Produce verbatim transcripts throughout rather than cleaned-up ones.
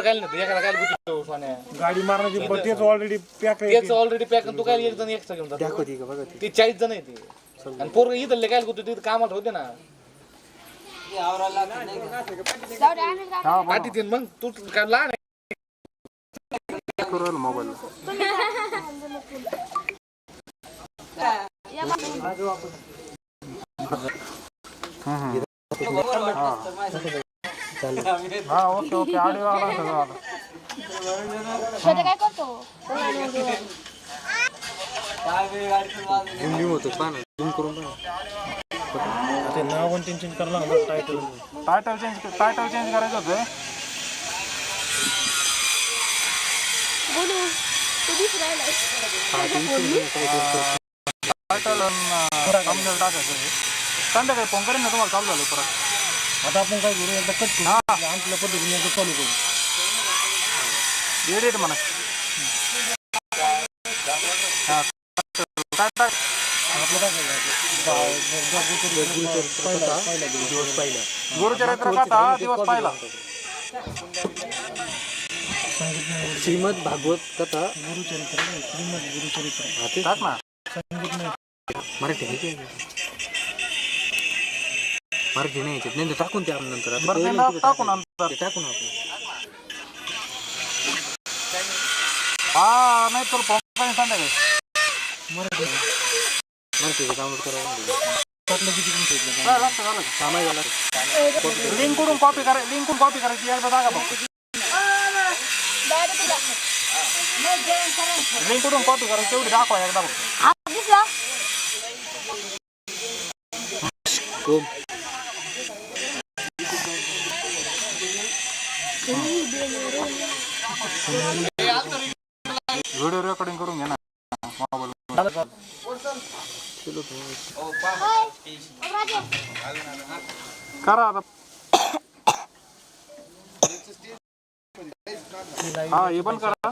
पोरं काय नाही एकाला काय गुती सोन्या गाडी मारण्याची तेच ऑलरेडी पॅक आहे. तेच ऑलरेडी पॅक तू काय एक जण एक्स्ट्रा घेऊन जातो दाखवते का बघा ती चाळीस जण आहे ती आणि पोरं इथले काय गुती तिथे कामाला होते ना पाठी तीन मग तू काय लहान आहे मोबाईल हा ओके ओके आडिओ आला सगळं आला. काय करतो झूम होतो पाहा झूम करून पाहा. ते नाव पण चेंज करायला लागलं title title change title change करायचं होतं. बोलू तू दिस राहिलाय टायटल कमजोर टाकायचं संध्याकाळी फोन करेन ना तुम्हाला चालू झालं परत. आता आपण काय करू एकदा कट करू आणखल्या पद्धतीने एकदा चालू करू एडिट म्हणा. हां काय टाक आपलं काय दिवस पहिला गुरुचरित्र कथा दिवस पहिला श्रीमद भागवत कथा गुरुचरित्र श्रीमद गुरुचरित्र टाक ना संगीत मराठी आहे की मराठी नाही याच्यात नाही टाकून ते आपण नंतर टाकून नंतर टाकून आपण हा नाही तर फोन करेन संध्याकाळी मराठी मराठी डाउनलोड करायला लिंक कडून कॉपी करा लिंक कडून कॉपी करायची एकदा जागा बघ लिंक कडून कॉपी करायची तेवढी दाखवा एकदा बघ. व्हिडिओ रेकॉर्डिंग करून घे ना मोबाईल करा आता. हा हे पण करा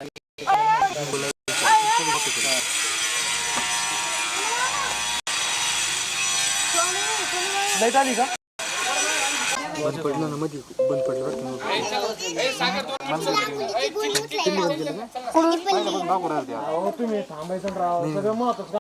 नाही झाली का बंद पडलं ना मध्ये बंद पडलं तुम्ही थांबायचं राव सगळं महत्वाचं